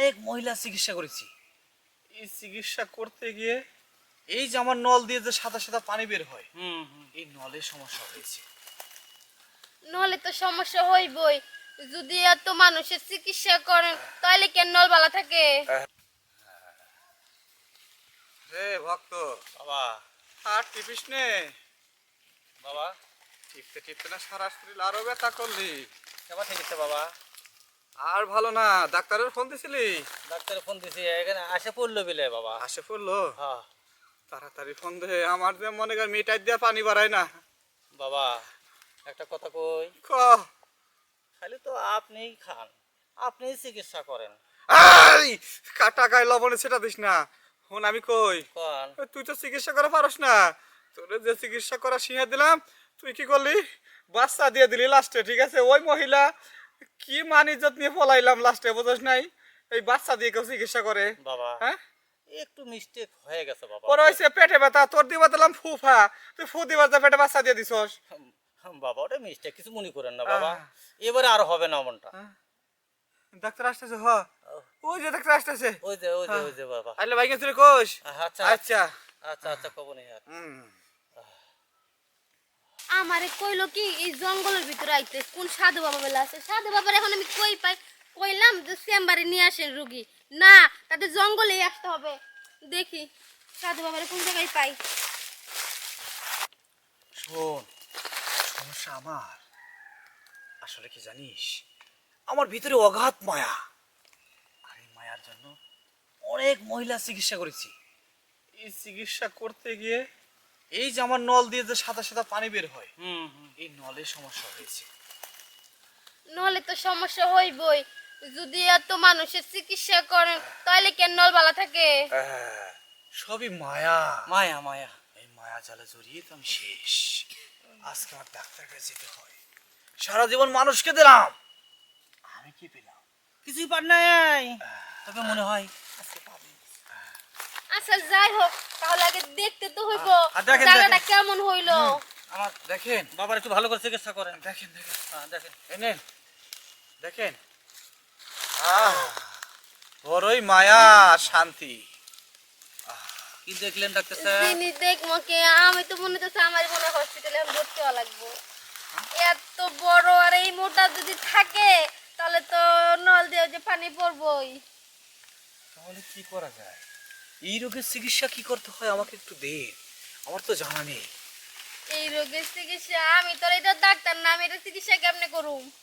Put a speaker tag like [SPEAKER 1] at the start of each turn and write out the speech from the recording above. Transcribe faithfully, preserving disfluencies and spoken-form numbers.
[SPEAKER 1] অনেক মহিলা চিকিৎসা করেছি। এই চিকিৎসা করতে গিয়ে এই যে আমার নল দিয়ে যে সাদা সাদা পানি বের হয়,
[SPEAKER 2] হুম হুম।
[SPEAKER 1] এই নলের সমস্যা হয়েছে।
[SPEAKER 3] নলে তো সমস্যা হইবই। যদি এত মানুষের চিকিৎসা করেন তাহলে কেন নল বালা থাকে?
[SPEAKER 1] রে ভক্ত,
[SPEAKER 2] বাবা
[SPEAKER 1] আর টিপিস নে।
[SPEAKER 2] বাবা
[SPEAKER 1] টিপতে টিপতে না সারা শরীর আরো ব্যথা করলি।
[SPEAKER 2] কেমন ঠিক আছে বাবা?
[SPEAKER 1] আর ভালো না, ডাক্তারের ফোন দিছিলি?
[SPEAKER 2] ডাক্তার ফোন দিছি, এখানে আসে পড়লো বিলে বাবা।
[SPEAKER 1] আসে পড়লো?
[SPEAKER 2] হ্যাঁ
[SPEAKER 1] তাড়াতাড়ি ফোন দে, আমার যে মনে কর মিটার দিয়ে পানি বাড়ায় না।
[SPEAKER 2] বাবা একটা কথা কই,
[SPEAKER 1] ক।
[SPEAKER 2] খালি তো আপনিই খান, আপনিই চিকিৎসা করেন।
[SPEAKER 1] এই কাটা গায়ে লবণে সেটা দিস না। ফোন আমি কই,
[SPEAKER 2] কোন
[SPEAKER 1] তুই তো চিকিৎসা করে পারস না। তোর যে চিকিৎসা করা শিখে দিলাম, তুই কি করলি? বাচ্চা দিয়ে দিলি লাস্টে। ঠিক আছে, ওই মহিলা কি মান ইজ্জত নিয়ে পলাইলাম লাস্টে, বুঝছ নাই? এই বাচ্চা দিয়ে কেউ চিকিৎসা করে?
[SPEAKER 2] বাবা
[SPEAKER 1] হ্যাঁ,
[SPEAKER 2] একটু মিস্টেক হয়ে গেছে বাবা।
[SPEAKER 1] পরে হয়েছে পেটে ব্যথা, তোর দিবা দিলাম ফুফা, তুই ফু দিবার যা পেটে বাচ্চা দিয়ে দিছস।
[SPEAKER 2] হুম, হুম, বাবা ওটা মিস্টেক, কিছু মনে করেন না বাবা।
[SPEAKER 1] আহ।
[SPEAKER 2] এবারে আর হবে না মনটা।
[SPEAKER 1] ডাক্তার আসতেছে? হ, ওই যে ডাক্তার আসতেছে।
[SPEAKER 2] ওই যে ওই যে ওই যে বাবা।
[SPEAKER 1] আইলে ভাই গেছিল কোষ?
[SPEAKER 2] আচ্ছা
[SPEAKER 1] আচ্ছা।
[SPEAKER 2] আচ্ছা আচ্ছা কব নেই আর।
[SPEAKER 1] হুম।
[SPEAKER 3] আমারে কইলো কি এই জঙ্গলের ভিতরে আইতে কোন সাধু বাবা বেলা আছে। সাধু বাবার এখন আমি কই পাই? কইলাম যে চেম্বারে নিয়ে আসেন রুগী। না, তাদের জঙ্গলেই আসতে হবে। দেখি সাধু বাবারে কোন জায়গায় পাই।
[SPEAKER 1] শোন, সমস্যা আমার। আসলে কি জানিস, আমার ভিতরে অগাধ মায়া। আর এই মায়ার জন্য অনেক মহিলা চিকিৎসা করেছি। এই চিকিৎসা করতে গিয়ে এই যে আমার নল দিয়ে যে সাদা সাদা পানি বের হয়,
[SPEAKER 2] হুম হুম।
[SPEAKER 1] এই নলের সমস্যা হয়েছে।
[SPEAKER 3] নলে তো সমস্যা হইবই। যদি এত মানুষের চিকিৎসা করেন তাহলে কেন নল বালা থাকে?
[SPEAKER 1] আহ, সবই মায়া।
[SPEAKER 2] মায়া মায়া।
[SPEAKER 1] এই মায়া জালে জড়িয়ে তো আমি শেষ। আজকে আমার ডাক্তার কাছে যেতে হয়। সারা জীবন মানুষকে দিলাম, আমি কি পেলাম?
[SPEAKER 2] কিছুই পার নাই, তবে মনে হয় আজকে পাবি।
[SPEAKER 3] আচ্ছা যাই হোক, তাহলে আগে দেখতে তো হইব
[SPEAKER 1] আর দেখেন,
[SPEAKER 3] জায়গাটা
[SPEAKER 1] দেখেন।
[SPEAKER 3] কেমন হইলো।
[SPEAKER 2] আমার
[SPEAKER 1] দেখেন,
[SPEAKER 2] বাবার একটু ভালো করে চিকিৎসা করেন।
[SPEAKER 1] দেখেন, দেখেন,
[SPEAKER 2] হ্যাঁ, দেখেন
[SPEAKER 1] এনেন, দেখেন। আহ, বড়ই মায়া, শান্তি।
[SPEAKER 2] কি দেখলেন ডাক্তার স্যার?
[SPEAKER 3] যিনি দেখবো কে? আমি তো মনে হচ্ছে আমার মনে হসপিটালে ভর্তি হওয়া লাগবো। এত বড় আর এই মোটা যদি থাকে তাহলে তো নল দিয়ে যে পানি পড়বই।
[SPEAKER 1] তাহলে কি করা যায়? এই রোগের চিকিৎসা কি করতে হয় আমাকে একটু দেন, আমার তো জানা নেই।
[SPEAKER 3] এই রোগের চিকিৎসা আমি তো এটা ডাক্তার না, আমি এটা চিকিৎসা কেমনে করুম?